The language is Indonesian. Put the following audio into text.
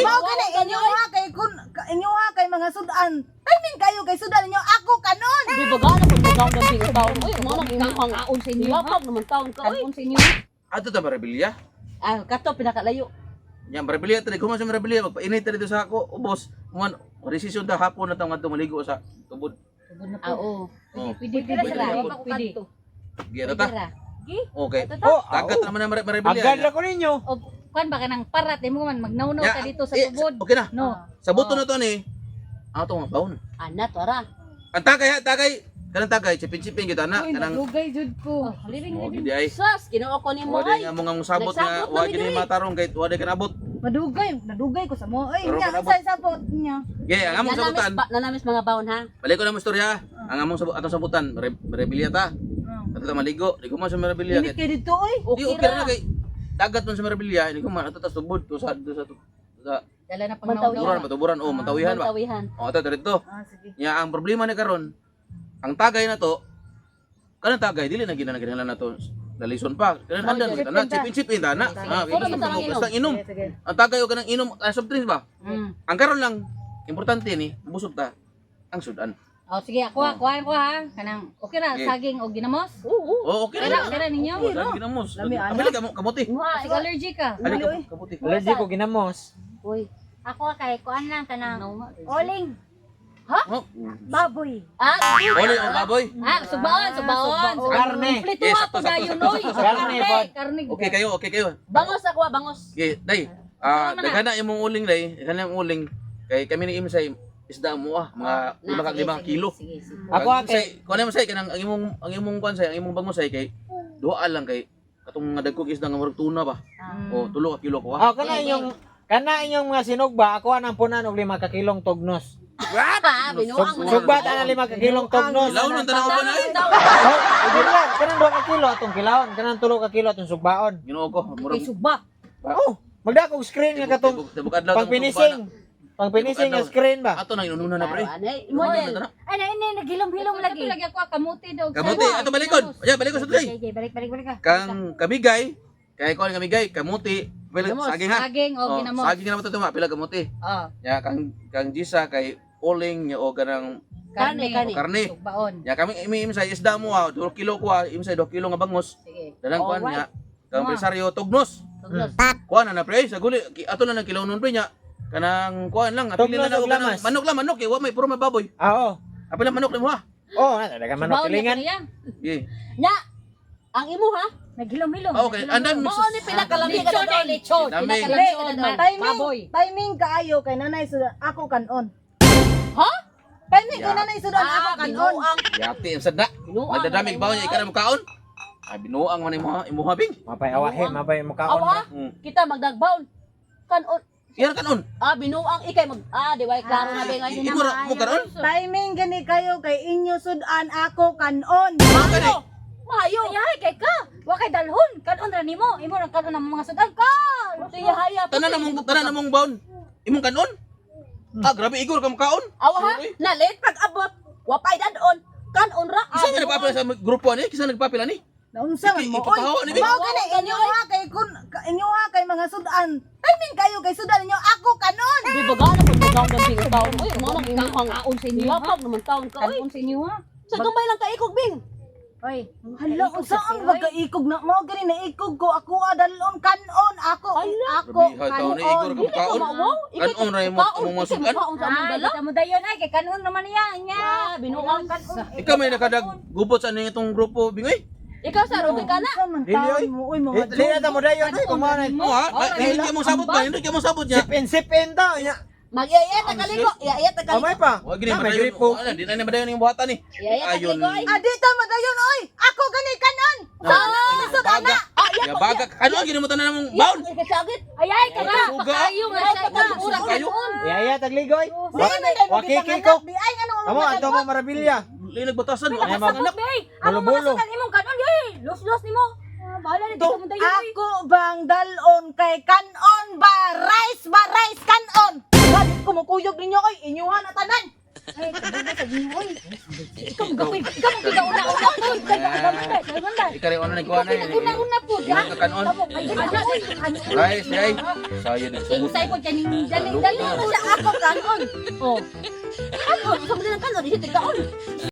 Mao gani inyo ha kay kun inyo ha kay mga sudan. Timing kayo kay sudan ninyo ako kanon. Di ba gana pag nagaw ng bing taon? Uy, mga nagkakang kaon sa inyo. Lapag naman taon ka. Uy, sa inyo. Ato ta Marabilya. Ah, kato pinakalayo. Yan Marabilya tadi kuman sa Marabilya magpainit ta dito sa ako. Ubos. Kuman resisyon ta hapon na tawag maligo sa tubod. Ah, oo. Oh. Pwede ra. Pwede. Giya ta. Okay. Oh, Dagat naman na Marabilya. agad lang ko ninyo. O kuan ba ka ng parat mo man magnawnaw Ya, ka dito sa tubod. Okay na. No. Sa buto na to ni. Ato nga baon. Ana to ara. Ang tagay. Kanang tagay chipin-chipin kita na Uy, kanang nadugay jud ko. Living oh, living. gidi ay. Sus, ginoo ko nimo Wala ay. nga mong sabot nga, Nagsabot wala na gini dili. matarong kahit wala ka nabot. Nadugay ko sa mo. Oy, Pero nya kanabot. unsay sabot niya? Okay, ang among sabutan. Nanamis mga baon ha. Balik ko na mo istorya. Ang among atong sabutan, Marabilya ta. Ato ta maligo, di ko man sa Marabilya. Init kay dito oy. Di okay na kay dagat man sa Marabilya, di ko man ato ta subod to sa Dala na tuburan, pangnawnaw. matuburan o matawihan ba. Tawihan. O ato dito. Ah sige. Nya ang problema ni karon, ang tagay na to, kanang tagay dili na ginanaginhalan na to. Dalison pa. Kanang andan kita na chipin ta na. Ah, Puro man tarang inom. basta inom. Sige, sige. Ang tagay o kanang inom soft drinks ba? Mm. Ang karon lang importante ni busog ta ang sudan. O sige, ako ha. Kanang okay ra Okay. saging o ginamos. Oo. Oh, okay na. Dala ninyo. Oh, dami ginamos. Lami, ano? Abili ka mo kamuti. Kasi allergic ka. Ali Uy. ka kamuti. Allergy ko ginamos. Uy. Ako kay kuan lang kanang No. oling Oh. baboy. Ah, Oli ang baboy. Subaon. Karne. Kompleto Yes, ha po sakto, dayon sakto, oy. sakto, Karne, bud. Karne. Okay kayo. bangos ako, bangos. Okay, day. Daghana imong uling day, daghana imong uling kay kami ni imsay isda mo mga 5 kilo. Sige, sige. Ako ate. Kuan mo say kanang ang imong kuan say, ang imong bangos say kay duha lang kay katong nga dagkog isda nga murag tuna ba. O 3 ka kilo ko ha. Kana inyong mga sinugba, ako anang punan og 5 ka kilong tugnos. Binuang mo na. Sugba ta na 5 ka kilong tugnos. Ilaw nang tanaw ba na ay. Hindi lang, kanang 2 ka kilo atong kilawon, kanang 3 ka kilo atong sugbaon. Ginoo ko, murag Kay suba. Oh, magdakog screen nga katong tibok adlaw pang-finishing. Pang-finishing nga screen ba? Ato nang inununa na pre. Anay, Ano model. Ano ini naghilom-hilom lagi. Lagi ako kamuti daw. Kamuti ato balikod. Ya balikod sa day. Okay, balik ka. Kang kamigay, kay kuan kamigay, kamuti, saging ha. Saging o Oh, ginamos. saging na matutuma pila kamuti. Oh, Ya kang Gisa kay uling nya o ganang karne. karne. Subaon. Ya kami imsay isda mo 2 kilo ko imsay 2 kilo nga bangos. Sige. Dalang kuan nya. Kang presaryo tugnos. Tugnos. Kuan na pre sa guli ato na nang kilaw nun pre nya. Kanang kuan lang apil Tugnos na og og kanang lamas. manok kay wa may puro mababoy. Oo. Apil lang manok nimo ha. Oh, dagan manok Subaon kilingan. niya. Ye. Nya, ang imo ha? Naghilom-hilom. Okay, andan mix. Mao ni pinakalami ka Lechon daw, eh, lechon. Dami. Pinakalechon man. Baboy. Timing kaayo kay nanay sudan ako kanon. Ha? Timing kay nanay sudan ako kanon. binuang. Yati ang sadda. Binuang. Nagdadamig ba niya ikaw na mukaon? Ay binuang man imo habing. Mapay awahe, mapay mukaon Awa, ba? kita magdagbaon. Kanon. Yan kanon. Binuang ikay mag di ba klaro na ba ngayon? Imo ra mo karon? Timing gani kayo kay inyo sudan ako kanon. Ano? Mayo. Ay, kay ka. Wa kay dalhon. Kanon ra nimo. Imo ra kanon ang mga sudan ka. Tiya haya. Tanan namong baon. Imong kanon? Grabe igor ka mukaon. Awa ha? Nalit pag abot. Wapay dadon. Kanon ra. Kisa nga nagpapila sa grupo ani? Kisa nagpapila ni? Naunsa man mo oy. Ipapahawa ni Bing. Mao gani inyo ha kay kun inyo ha kay mga sudan. Timing kayo kay sudan ninyo ako kanon. Di ba gana pag nagaw ng bing taon? Uy, mga nagkakang Kaon sa inyo ha. Lapag naman taon ka. Uy, Kaon sa inyo ha. sa gamay lang ka ikog bing. Oy. Hala unsaan magkaikog na mao gani naikog ko ako adalon kanon ako ako Grabe ha taon ni igor ka kanon. mukaon. Kanon ra mo among masukan. Kaon sa among Ay, dala. kita mo dayon ay kay kanon naman niya. Nya. Binuang. Ikaw may nakadag gubot sa ning itong grupo bingoy. Ikaw sa Rubi ka na. Unsa man Dili, taon oy. mo oy mga Dili na ta mo dayon oy, kumaon. Mo ha? Hindi mo sabot ba? Hindi mo sabot niya. Sipin daw nya. Mag-iyayat ang kaliko. Iyayat ang kaliko. Amay pa. Wa gini May madayon. gripo. Wala, di na ni madayon yung buhatan ni. Iyayat ang Ayon. kaliko ay. Adita madayon oy. Ako gani kanon. Baga. Ya baga. Ano gini mo tanan namong baon? Kasagit. Ay ay ka ka. Suga. Kayo nga siya ka. Kayo. Yaya tagligoy. Wakiki ko. Di ay ano Amo ato mo marabilya. Li nagbatasan. Ay, Sabot be. Ano Bulo-bulo. mga sudan imong kanon di. Los nimo. Bahala ni kita mo dayon. Ako bang dalon kay kanon ba rice kanon. Bakit kumukuyog ninyo oy inyuhan na tanan. Ay, kabuga sa ginhoy. Ikaw Ikaw ang gigauna-una po. Ganda. Ikari ano ni kuha na yun. Una-una po. Ilang ka kanon. Ay, ano? Guys, ay. Sayo din sumot. Insay po kaning dali mo sa ako kanon. Oh. Ano? Sa mga kanon, isip tigkaon.